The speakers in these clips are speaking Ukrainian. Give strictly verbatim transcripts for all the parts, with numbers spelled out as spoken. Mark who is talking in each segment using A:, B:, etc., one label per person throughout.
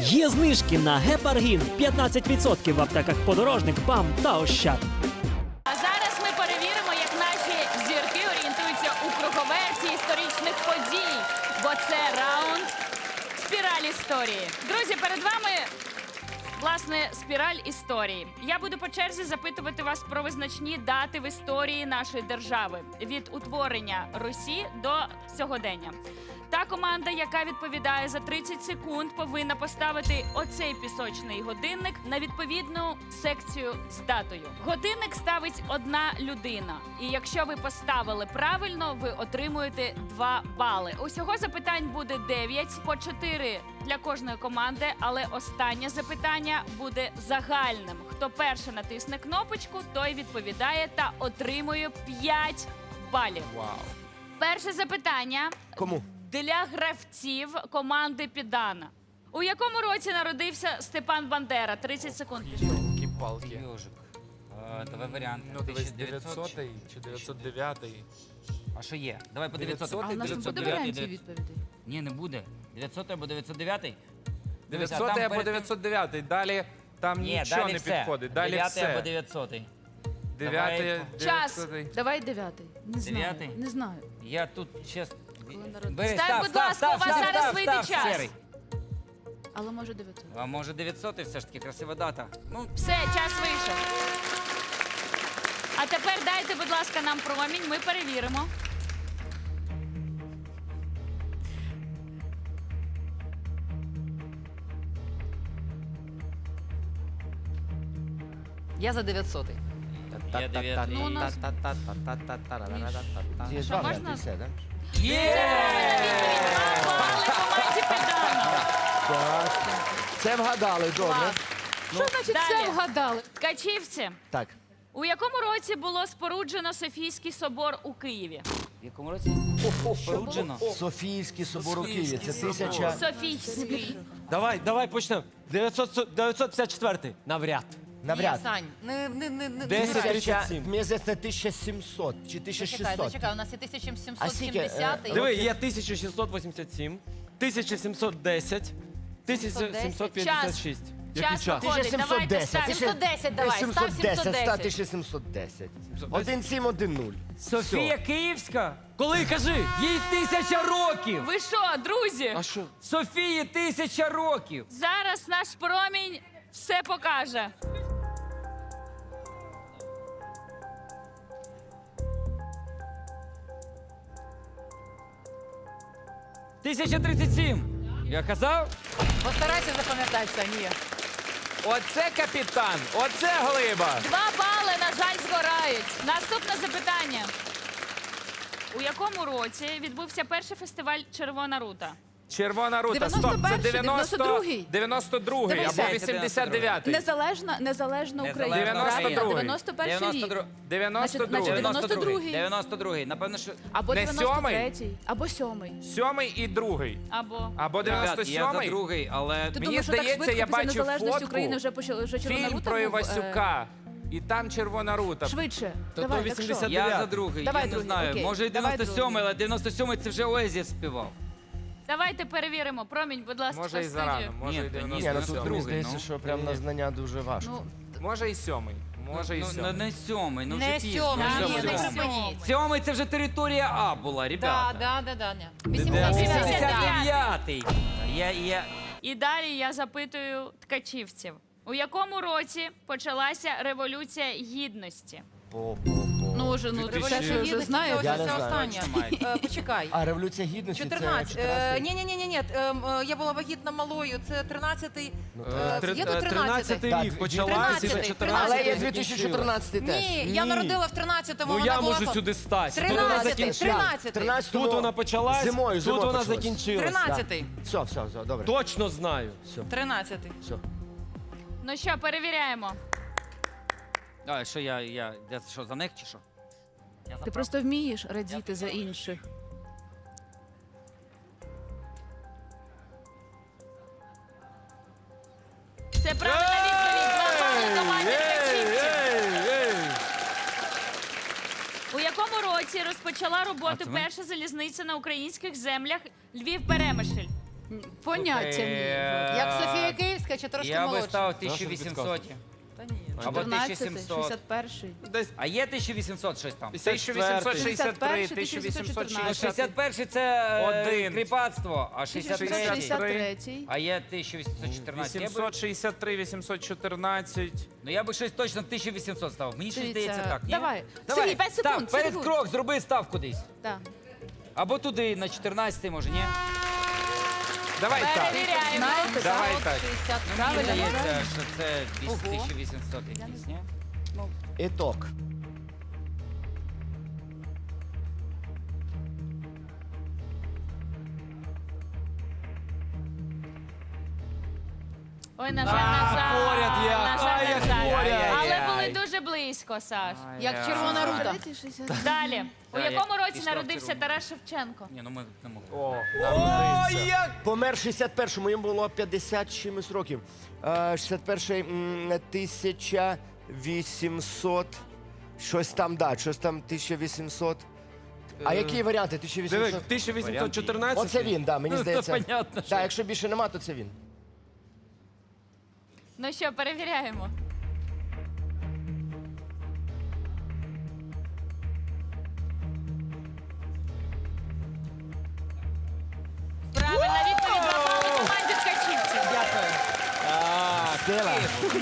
A: Є знижки на гепаргін п'ятнадцять відсотків в аптеках Подорожник, БАМ та Ощад.
B: А зараз ми перевіримо, як наші зірки орієнтуються у круговерті історичних подій. Бо це раунд «Спіраль історії». Друзі, перед вами, власне, спіраль історії. Я буду по черзі запитувати вас про визначні дати в історії нашої держави. Від утворення Русі до сьогодення. Та команда, яка відповідає за тридцять секунд, повинна поставити оцей пісочний годинник на відповідну секцію з датою. Годинник ставить одна людина. І якщо ви поставили правильно, ви отримуєте два бали. Усього запитань буде дев'ять, по чотири для кожної команди, але останнє запитання буде загальним. Хто перше натисне кнопочку, той відповідає та отримує п'ять балів.
C: Вау.
B: Перше запитання.
D: Кому?
B: Для гравців команди Піддана. У якому році народився Степан Бандера? тридцять секунд пішло.
C: Кіпалки.
E: Йожик. Е, Давай варіант.
C: Ну, дивись,
E: дев'ятсот
C: дев'ятсотий чи дев'ятсот дев'ятий.
E: А що є? Давай по дев'ятсот.
C: дев'ятсот.
F: А у нас не буде варіантів відповідей.
E: Ні, не буде. дев'ятсот або дев'ятсот дев'ятий? Дивись, а
C: дев'ятсотий
E: там
C: або
E: перед тим-
C: дев'ятсот дев'ятий. Далі там
E: Ні,
C: нічого
E: далі
C: не
E: все.
C: підходить. Далі
E: дев'ятий або
C: все.
E: дев'ятсотий.
C: Дев'ятий,
B: Час.
C: дев'ятсотий.
F: Давай дев'ятий. Не знаю.
E: Дев'ятий?
F: Не знаю.
E: Я тут чесно.
F: народився?
E: Бери,
B: Став,
E: став,
B: будь
E: став,
B: ласка,
E: став,
B: у вас
E: став,
B: зараз
E: став,
B: вийде
E: став,
B: час.
E: Серий.
F: Але може дев'ятсот.
E: А може дев'ятсотий все ж таки красива дата. Ну,
B: Все, час вийшов. А тепер дайте, будь ласка, нам промінь, ми перевіримо.
G: Я за дев'ятсотий.
E: я дев'ятий.
B: Ну, у нас-
D: Є
B: Що,
D: два
B: можна?
D: варіанти, і все, так?
E: Є!
B: Два бали команді Піддана.
D: Це вгадали, добре.
F: Що значить
B: далі.
F: це вгадали?
B: Ткачівці,
D: Так.
B: у якому році було споруджено Софійський собор у Києві?
E: В якому році? Споруджено.
D: Софійський собор у Києві. Це тисяча...
B: Софійський.
H: Давай, давай почнемо. дев'ятсот п'ятдесят четвертий. Навряд.
D: Навряд.
G: Ні, Сань, не, не, не, не.
H: Десять
G: не-
H: тридцять сім.
D: Мені здається, тисяча сімсот чи тисяча
G: Зачекай,
D: шістсот.
G: зачекай, у нас є тисяча сімсот
D: А скільки, е,
G: сімдесят.
H: Диви, є тисяча шістсот вісімдесят сім, тисяча сімсот десять, тисяча сімсот п'ятдесят шість.
B: Час
H: час?
B: виходить, давайте ставимо.
G: сімсот десять давай, став сімсот десять.
D: тисяча сімсот десять. один сім один нуль.
H: Софія Київська? Коли, кажи? Їй тисяча років!
B: Ви що, друзі?
H: А що? Софії тисяча років!
B: Зараз наш промінь все покаже.
H: тисяча тридцять сім! Я казав?
G: Постарайся запам'ятати, Сань, ні.
C: Оце капітан, оце глиба.
B: Два бали, на жаль, згорають. Наступне запитання. У якому році відбувся перший фестиваль «Червона рута»?
C: Червона рута, стоп, це
F: дев'яносто перший,
C: дев'яносто...
F: дев'яносто другий.
C: дев'яносто другий
F: Дивися.
C: або вісімдесят дев'ятий.
F: Незалежна, незалежна Україна.
C: дев'яносто
F: Правильно?
C: другий.
F: дев'яносто перший рік.
C: дев'яносто
F: Значить,
C: другий.
F: дев'яносто другий.
E: дев'яносто другий. Напевно, що...
F: Або
C: Не
F: дев'яносто
C: сьомий?
F: третій, або сьомий.
C: Сьомий і другий.
B: Або
C: Або
E: Ребят,
C: дев'яносто
E: я за
C: сьомий.
E: другий, але...
F: Ти
C: Мені
F: думаєш, що так
C: здається,
F: швидко
C: я
F: після
C: бачив
F: незалежності
C: фотку,
F: України вже почали вже Червона
C: Фільм
F: рута
C: про
F: був, е,
C: Івасюка. І там Червона рута.
F: Швидше.
H: То
F: Давай,
H: то
F: так що?
H: вісімдесят
E: Я за другий,
F: Давай
E: я не
F: другий,
E: знаю.
F: окей.
E: Може і
F: Давай
E: дев'яносто сьомий,
F: другий.
E: але дев'яносто сьомий це вже Оазіс співав.
B: давайте перевіримо. Промінь, будь ласка,
C: Може і
B: в студію.
C: зарано, може
E: Ні,
C: і
E: та ні,
D: Ні, ну
C: дев'яносто
D: тут
C: сьомий.
D: мені
E: другий,
D: здається,
E: ну.
D: що прям на знання дуже важко.
F: Ну,
C: Може і сьомий. Може і
E: Ну, ну,
C: сьомий.
E: не сьомий, ну вже
G: Не
E: пізно.
G: сьомий,
B: Да,
G: ні,
B: ні,
G: не
B: не
G: припиніть.
E: Сьомий це вже територія А була,
G: Да,
E: ребята.
G: да, да, да, ні.
B: вісімдесят
G: вісімдесят
B: дев'ятий.
E: дев'ятий. Я, я...
B: І далі я запитую ткачівців. У якому році почалася Революція Гідності?
D: По-по-по.
F: ну вже, ну
C: Дві
F: це
C: тисячі-
F: ж вже знаю.
D: Я
G: Ось
D: не
G: це
D: знаю.
G: останнє. Е, Почекай.
D: А Революція Гідності це
G: чотирнадцять.
D: чотирнадцятий?
G: Ні, ні, ні, ні, я була вагітна малою. Це тринадцятий.
C: Е,
G: Е, Є до тринадцятий.
H: тринадцятий
D: Так,
H: рік почалась і
G: тринадцятий,
H: чотирнадцятий
D: Але є
G: тринадцятий.
D: дві тисячі чотирнадцятий теж.
G: Ні, я
H: Ні.
G: народила в тринадцятому.
H: Ну
G: вона
H: я
G: була
H: можу
G: по-
H: сюди стати. Тут вона
G: тринадцятий,
H: закінчила.
G: тринадцятий.
D: тринадцятому
H: Тут вона почалась,
D: Зимою,
H: тут
D: зимою
H: вона
D: почалась.
H: закінчилась.
G: Тринадцятий.
D: Все, все, все, добре.
H: Точно знаю.
G: Тринадцятий.
D: Все.
B: Ну що, перевіряємо.
E: А, що я, я, я що, за них чи що? Я за
F: Ти просто вмієш радіти за інших.
B: Це правильна відповідь. Два бали команді ткачівців. У якому році розпочала роботу
E: А це ми?
B: перша залізниця на українських землях Львів-Перемишль?
F: Поняття
E: Е,
F: ні.
G: Як Софія тисяча, трошки
E: Я би
G: молодше.
E: ставив
H: Нашу
E: тисяча вісімсот.
H: підказку?
G: Та ні.
E: Або
F: чотирнадцятий,
E: тисяча сімсот.
F: шістдесят перший.
H: Десь
E: А є тисяча вісімсот щось там?
C: тисяча вісімсот шістдесят три, тисяча вісімсот
E: Ну,
C: шістдесят.
E: шістдесят перший це е,
C: Один.
E: кріпацтво, а шістдесят
C: шістдесят
E: третій.
F: шістдесят третій.
E: А є тисяча вісімсот чотирнадцять. Я би,
C: вісімсот шістдесят три, вісімсот чотирнадцять.
E: ну я би щось точно тисяча вісімсот ставив. Мені щось здається так, ні?
F: Давай.
E: Давай,
F: Сергій, п'ять
E: став,
F: секунд.
E: перед
F: секунд.
E: крок зроби став кудись.
F: Так.
E: Або туди, на чотирнадцятий, може, ні?
C: Давай так.
B: Перевіряємо.
F: Знаєте,
C: Давай
F: так?
C: так.
G: шістдесят.
E: Мені
F: Правильно,
E: здається,
F: правильно.
E: що це тисяча вісімсот якийсь, ні?
D: Іток.
B: Ой, на жаль, на жаль.
H: поряд як,
B: На жаль,
H: ай,
B: на
H: як
B: жаль.
H: поряд.
B: Але були
C: Ай-яй-яй.
B: дуже близько, Саш.
G: Як червона рута.
F: Третій, шістдесят.
B: Далі. У
E: Да, я
B: якому році
E: пішла в
B: народився
E: червону.
B: Тарас Шевченко?
E: Ні, ну ми не могли.
C: О,
H: О,
C: народився.
H: як!
D: Помер шістдесят першому, йому було п'ятдесят чимось років. Е, шістдесят перший, м, тисяча вісімсот, щось там, да, щось там тисяча вісімсот. А
H: Е,
D: які варіанти?
H: Диви,
D: тисяча вісімсот?
H: тисяча вісімсот чотирнадцять.
D: Оце він, да, мені
E: Ну,
D: здається.
E: то понятно, що.
D: Да, якщо більше нема, то це він.
B: Ну що, перевіряємо. Правильна відповідь за команді ткачівців.
E: Дякую.
D: Сила.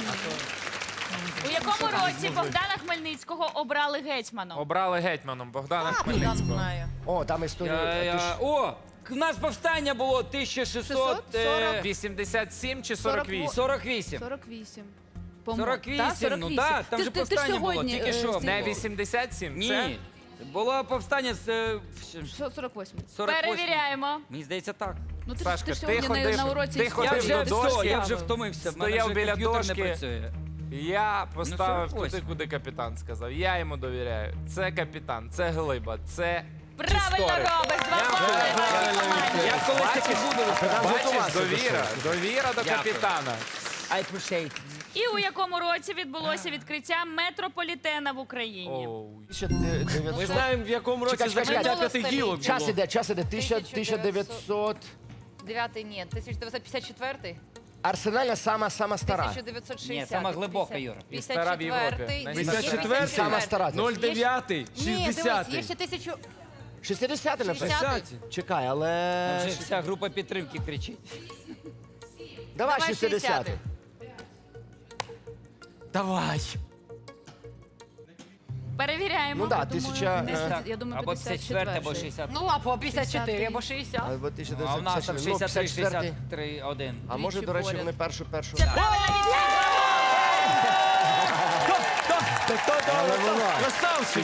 B: У якому році Богдана Хмельницького обрали гетьманом?
C: Обрали гетьманом Богдана
G: Богдан
C: Хмельницького.
G: знає.
D: О, там історія.
E: Я,
D: Ти
E: я...
D: ж-
E: О, у нас повстання було тисяча шістсот е,
C: вісімдесят сім чи сорок вісім?
E: сорок вісім.
F: сорок вісім.
E: сорок вісім, ну да, там
F: Ти-
E: же
F: ти- ти ж
E: повстання було,
F: сьогодні,
E: тільки
F: е,
E: що.
F: з-
C: Не вісімдесят сім? Це?
E: Ні, було повстання з е,
F: Що, сорок восьмий.
E: сорок восьмого.
B: Перевіряємо.
E: Мені здається так.
F: Ну ти ж
C: Сашка,
F: ти ж
C: ти
F: сьогодні на,
C: ходив-
F: на уроці
C: ти
F: історії.
E: Я
C: ходив
E: вже
C: до
E: все,
C: дошки,
E: я вже втомився. В мене
C: стояв
E: вже
C: біля
E: комп'ютер
C: дошки.
E: не працює.
C: Я поставив
E: сорок восьмий.
C: туди, куди капітан сказав. Я йому довіряю. Це капітан, це глиба, це
B: Правильно
C: історик.
B: робиш. Два бали вашій команді.
E: Я колись таки буду.
C: Бачиш, довіра, довіра до
E: Дякую.
C: капітана.
E: I appreciate it.
B: І у якому році відбулося відкриття метрополітена в Україні?
C: Оу.
D: тисяча дев'ятсот.
H: Ми знаємо, в якому році
D: Чекай, чекай,
H: закриття
G: чекай.
H: п'яти гілок
D: Час
H: було.
D: іде, час іде. Тисяча- тисяча дев'ятсот.
G: Дев'ятий ні, тисяча дев'ятсот п'ятдесят четвертий.
D: Арсенальна сама, сама стара.
G: тисяча дев'ятсот шістдесят.
E: Ні, сама глибока, Юра.
C: І стара в Європі.
H: п'ятдесят четвертий?
D: Сама стара.
H: нуль дев'ять,
G: Ні, дивись, є
H: шістдесят.
G: ще тисячу...
D: шістдесят, напевно.
G: шістдесят.
D: Чекай, але...
E: Вже вся група підтримки кричить.
D: Давай
G: Давай
D: шістдесят.
G: шістдесят.
H: Давай.
B: Перевіряємо.
D: Ну да,
F: Я думаю,
D: тисяча...
F: десь
D: е,
F: так, Я думаю,
E: Або п'ятдесят четвертий, або
F: п'ятдесят
E: шістдесят.
G: Ну, або п'ятдесят чотири, або шістдесят.
D: Або
E: Ну, а в нас там
D: тисяча дев'ятсот
E: шістдесят три,
D: п'ятдесят четвертий.
E: шістдесят три, один.
D: А може, до речі,
F: поряд.
D: вони першу першу.
B: Це правильна відповідь.
D: Але воно.
H: Красавчик.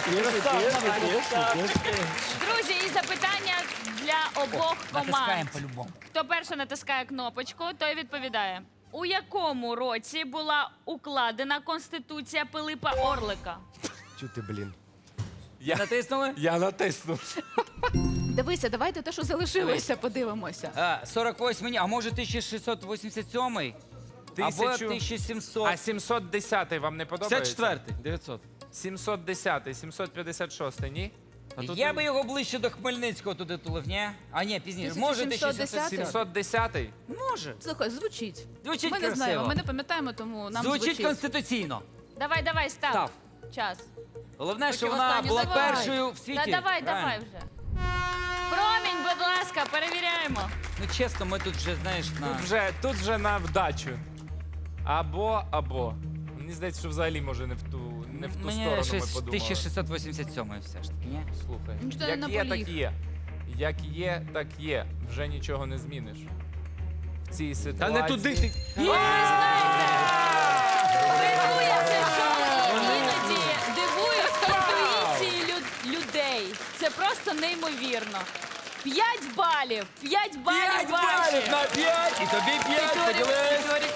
B: Друзі, і запитання для обох
E: Натискаємо
B: команд.
E: по-любому.
B: Хто перший натискає кнопочку, той відповідає. У якому році була укладена Конституція Пилипа Орлика?
D: Чути, блін.
C: Я,
E: Натиснули?
C: я натиснув.
F: Дивися, давайте те, що залишилося, подивимося.
E: А, сорок восьмий, ні, а може тисяча шістсот вісімдесят сьомий? Або
C: Тисячу.
E: тисяча сімсот.
C: А сімсот десятий вам не подобається?
H: п'ятдесят четвертий, дев'ятсот.
C: сімсот десятий, сімсот п'ятдесят шостий, ні?
H: А тут
E: Я би його ближче до Хмельницького туди тулив, ні? А ні, пізніше. Може
F: тисяча сімсот
E: тисяча сімсот.
C: сімсот десятий?
E: Може.
F: Слухай, звучить.
E: Звучить
F: Ми не
E: красиво.
F: знаємо, ми не пам'ятаємо, тому нам
E: Звучить
F: звучить.
E: конституційно.
B: Давай, давай, став.
E: Став.
B: Час.
E: Головне, що
G: Потім
E: вона
G: останню
E: була
G: давай.
E: першою в світі.
B: Та давай,
E: Правильно?
B: давай вже. Промінь, будь ласка, перевіряємо.
E: Ну чесно, ми тут вже, знаєш,
C: Тут
E: на...
C: вже, тут вже на вдачу. Або, або. Мені здається, що взагалі може не в ту, не в ту
E: Мені
C: сторону ми
E: щось
C: подумали.
E: тисяча шістсот вісімдесят сьомий все ж таки, ні?
C: Слухай,
F: Ну, що ти
C: як
F: не
C: є,
F: наполіг?
C: так є. Як є, так є. Вже нічого не зміниш. В цій
H: Та
C: ситуації.
H: не туди ти.
B: Ви знаєте, дивує це шоу, і іноді дивує з інтуїції лю- людей. Це просто неймовірно. П'ять балів, п'ять балів ваші.
E: на п'ять, і тобі п'ять, поділись.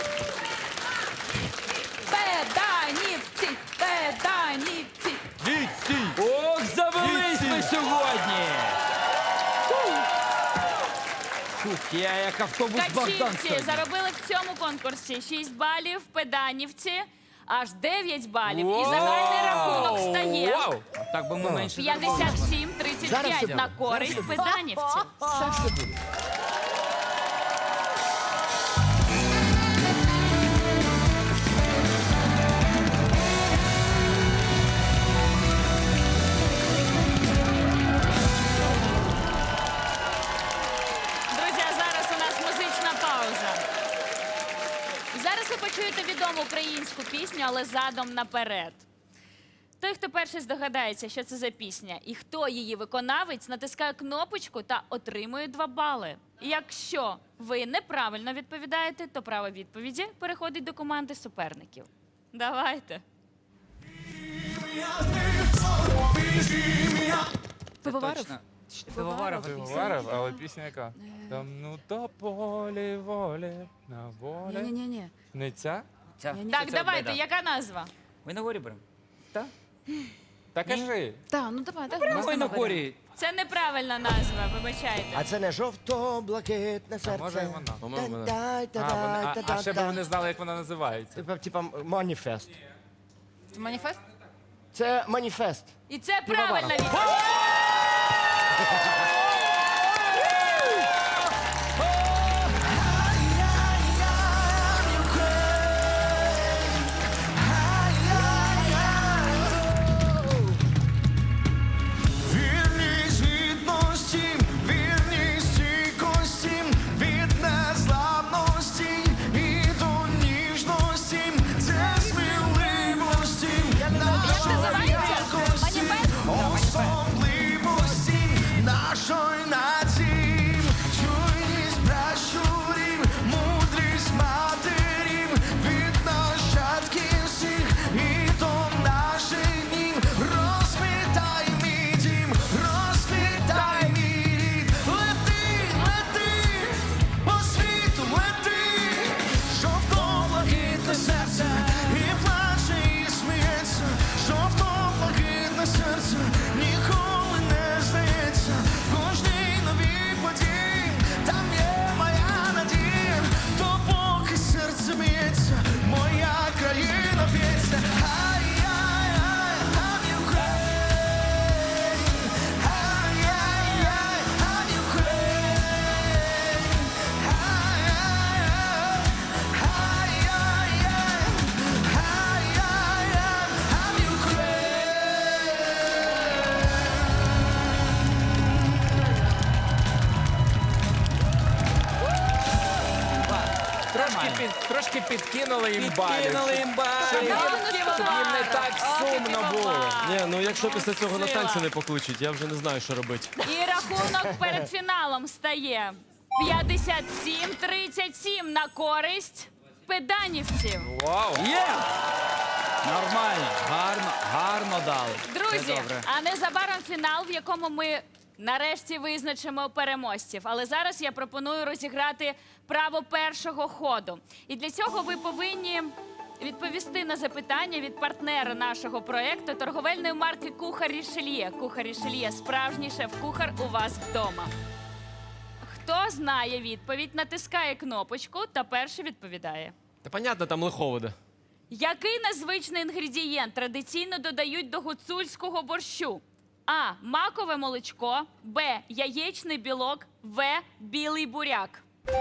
F: Педанівці! Педанівці!
E: Ох, завелись ми сьогодні! Фух, я як автобус Богдан
B: Качівці
E: сьогодні.
B: заробили в цьому конкурсі шість балів, педанівці аж дев'ять балів. І
C: Вау!
B: загальний рахунок стає
C: Вау!
E: Так би ми менше заробили.
B: п'ятдесят сім тридцять
D: Зараз
B: п'ять
D: це
B: на
D: буде.
B: користь педанівців.
D: Все, все буде.
B: Зараз ви почуєте відому українську пісню, але задом наперед. Той, хто перший здогадається, що це за пісня, і хто її виконавець, натискає кнопочку та отримує два бали. Якщо ви неправильно відповідаєте, то право відповіді переходить до команди суперників. Давайте.
F: Пивоваров?
E: Точно. Ч- Пивоваров.
C: Пивоваров, але пісня яка? Там ну то полі волі на волі.
F: Ні-ні-ні.
C: Не ця?
E: Ця.
B: Так,
E: Це
B: давайте,
E: Беда.
B: яка назва?
E: Ми на горі беремо.
C: Та кажи.
F: Так, ну давай, давай.
E: Ми на горі.
B: Це неправильна назва, вибачайте.
D: А це не жовто-блакитне серце.
C: може, і вона.
H: По-моєму, вона.
D: Та-дай,
C: А, вони, а,
D: та-дай,
C: а ще б
D: та-дай.
C: вони знали, як вона називається.
D: Типа, типа маніфест.
G: Це маніфест?
D: Це маніфест.
B: І це правильна відповідь.
I: Вірність гідності, вірність стійкості, від незламності і до ніжності, це сміливості, нашої якості, особливості нашої нації, чуйність пращурів, мудрість матерів, від нащадків всіх і до наших днів, розквітай мій дім, розквітай мій рід, лети, лети, по світу лети, жовто-блакитне серце, і плаче, і сміється, жовто-блакитне серце, ніколи не здається, в кожній новій події, там є моя надія, то поки серце б'ється, моя країна б'ється, ай-яй-яй, I'm Ukraine, ай-яй-яй, I'm Ukraine, ай-яй-яй, ай-яй-яй, ай-яй-яй, I'm Ukraine.
C: Трошки, під, трошки підкинули їм балів.
E: Підкинули їм
C: Щоб їм,
E: бали.
C: щоб їм не так сумно було.
H: Ні, ну якщо після цього на
B: Сила.
H: танці не покличуть, я вже не знаю, що робити.
B: І рахунок перед фіналом стає п'ятдесят сім тридцять сім на користь педанівців.
C: Вау!
E: Є! Нормально, гарно, гарно дали. Це
B: Друзі,
E: добре.
B: а незабаром фінал, в якому ми нарешті визначимо переможців. Але зараз я пропоную розіграти право першого ходу. І для цього ви повинні відповісти на запитання від партнера нашого проєкту торговельної марки Кухар Рішельє. Кухар Рішельє – справжній шеф-кухар у вас вдома. Хто знає відповідь, натискає кнопочку та перший відповідає.
H: Та понятно, там лиховоде.
B: Який незвичний інгредієнт традиційно додають до гуцульського борщу? А. Макове молочко. Б. Яєчний білок. В. Білий буряк.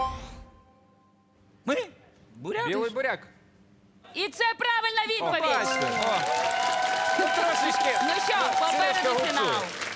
E: Ми? Буряти?
C: Білий буряк.
B: І це правильна
C: О,
B: відповідь.
C: бачите. О. Ну, трошечки.
B: Ну що,
C: Синочка
B: попереду
C: гуцує.
B: фінал.